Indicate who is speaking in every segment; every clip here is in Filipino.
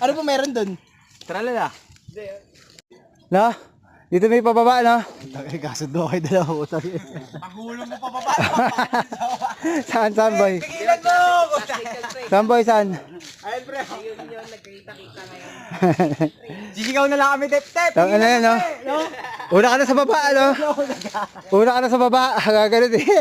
Speaker 1: Ano po meron dun?
Speaker 2: Tralala.
Speaker 3: Na? Dito may pababa, no?
Speaker 2: Tagay kasundo kayo dalawa ko tayo.
Speaker 1: Pagulong mo pababa.
Speaker 3: Saan, boy?
Speaker 1: Pigilan mo!
Speaker 3: Saan, boy, saan?
Speaker 1: Ayun, pre. Ayun, nagkita-kita ngayon. Sisigaw na lang kami, tep-tep.
Speaker 3: Tang ano yan, no? Una ka na sa baba, ano? Una ka na sa baba. Gagalit eh.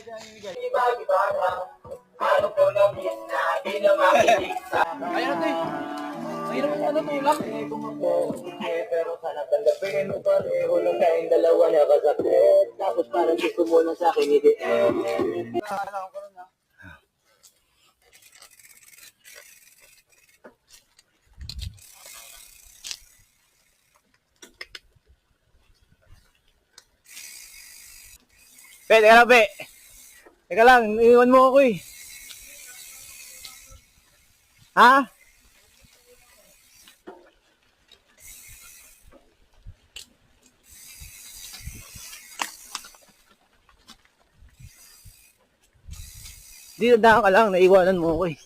Speaker 1: Ayun, ito eh. Ayun, ano tulak?
Speaker 4: Pero sana tanggapin mo pareho lang tayong dalawa nakasakit. Tapos parang gusto mo na sa akin hindi.
Speaker 2: Be, teka lang, be. Teka lang, iwan mo ako eh. Ha? Di na ka lang, naiwanan mo ako eh.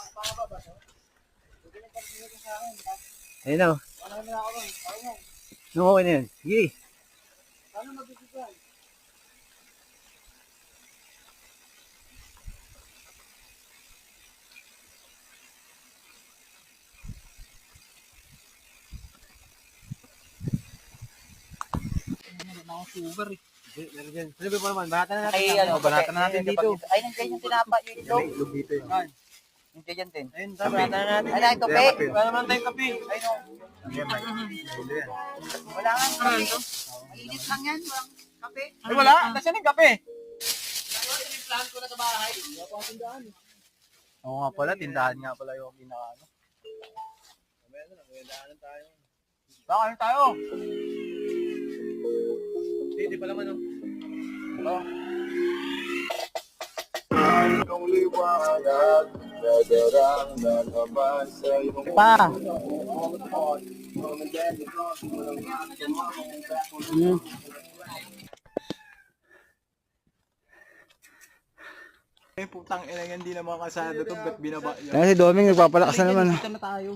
Speaker 2: Ayun na. No, okay na yan. Sige. Ano ba naman? Banatan na natin.
Speaker 1: Ay, ano,
Speaker 2: Banatan na natin dito.
Speaker 1: Ay, nandiyan yung tinapa yun ito.
Speaker 2: Lug dito yun.
Speaker 1: Yung tiyan din.
Speaker 2: Ayun, banatan na natin.
Speaker 1: Ay, ito, pe.
Speaker 2: Wala naman tayong kape.
Speaker 1: Ay, no. Wala nga kape. Mainit lang yan. Walang kape.
Speaker 2: Ay, wala. Nasaan yung kape?
Speaker 1: Plan ko na sa bahay.
Speaker 2: Oo nga pala, tindahan nga pala yung pinaka. Baka tayo. Hindi pala man. Oh.
Speaker 4: Ang liwanag nadarang na naman sa iyong
Speaker 3: Pa.
Speaker 2: Eh, putang ina yan, hindi na mga kasado to, ba't binaba yan?
Speaker 3: Yan si Doming, nagpapalakas na naman.
Speaker 1: Dito na tayo.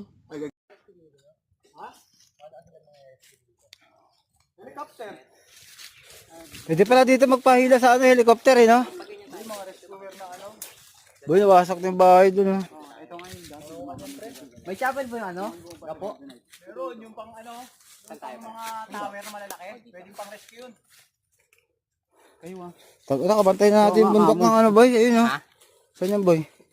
Speaker 2: Helicopter.
Speaker 3: Pwede pala dito magpahila sa ano, helicopter eh, no?
Speaker 2: Yung mga rescuer na ano.
Speaker 3: Boy, nawasak na yung bahay dun, no?
Speaker 2: Ito ngayon, dati
Speaker 1: May chapel po yung ano? Gapo?
Speaker 2: meron yung pang ano, yung pang mga tower na malalaki, pwedeng pang rescue yun.
Speaker 1: Kayo ah.
Speaker 3: Tag-ina, kabantay na natin yung bundok ng ano, boy. Ayun, no? Saan yan, boy?